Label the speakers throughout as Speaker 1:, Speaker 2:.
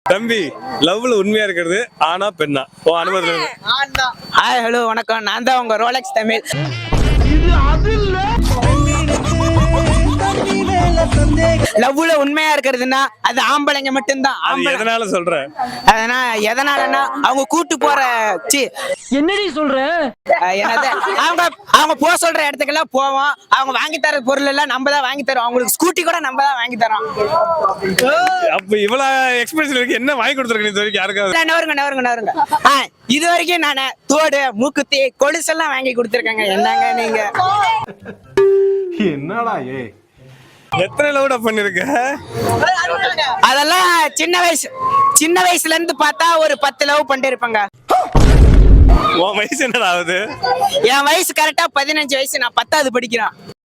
Speaker 1: தம்பி லவ்ல உண்மையா இருக்கிறது ஆனா பெண்ணா ஓ அனுபவத்துல
Speaker 2: ஹாய் ஹலோ வணக்கம், நான் தான் உங்க ரோலெக்ஸ் தமிழ். லவ்ல உண்மையா இருக்கிறதுனா அது ஆம்பளைங்க மட்டும்தான்.
Speaker 1: எதனால சொல்றேன்?
Speaker 2: எதனாலன்னா அவங்க கூட்டு போற
Speaker 3: என்னடி சொல்ற?
Speaker 2: அவங்க போக சொல்ற இடத்துக்கெல்லாம் போவோம். அவங்க வாங்கி தர பொருள் எல்லாம் நம்ம தான் வாங்கி தரோம். அவங்களுக்கு ஸ்கூட்டி கூட நம்ம தான் வாங்கி தரோம்.
Speaker 1: அப்ப இவ்வளவு எக்ஸ்பீரியன்ஸ் இருக்கு, என்ன வாங்கி கொடுத்துருக்க இது வரைக்கும் யாருக்காவது?
Speaker 2: நவருங்க. இது வரைக்கும் நானு தோடு, மூக்குத்தி, கொலுசெல்லாம் வாங்கி கொடுத்துருக்கேங்க. என்னங்க நீங்க?
Speaker 4: என்னடா ஏ
Speaker 1: எத்தனை லவ்டா பண்ணிருக்க?
Speaker 2: அதெல்லாம் சின்ன வயசுல இருந்து பார்த்தா ஒரு 10 லவ் பண்ணிட்டு இருப்பேங்க.
Speaker 1: உன் வயசு என்னடா ஆகுது?
Speaker 2: என் வயசு கரெக்டா 15 வயசு. நான் 10வது படிக்கிறேன்.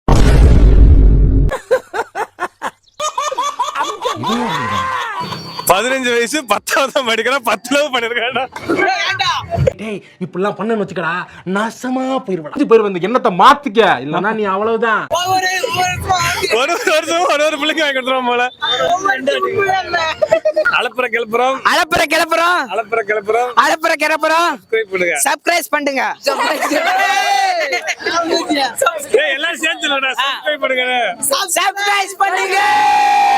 Speaker 1: 15 வயசு 10வது படிக்கிறேன், 10 லவ் பண்ணிருக்கேன்டா.
Speaker 4: டேய் இப்படிலாம் பண்ணன்னு வச்சுக்கடா நாசமா போயிருவேன். எண்ணத்தை மாத்திக்க, இல்லன்னா நீ அவ்வளவுதான்.
Speaker 1: ஒரு வருஷம் ஒரு பிள்ளைக்கு வாங்கி கொடுத்துருவோம் போல. அலப்புற கிளப்புறோம்.
Speaker 2: சப்ஸ்கிரைப் பண்ணுங்க.
Speaker 1: எல்லாரும் சேர்த்து சப்ஸ்கிரைப் பண்ணுங்க.
Speaker 2: சப்ஸ்கிரைப் பண்ணுங்க.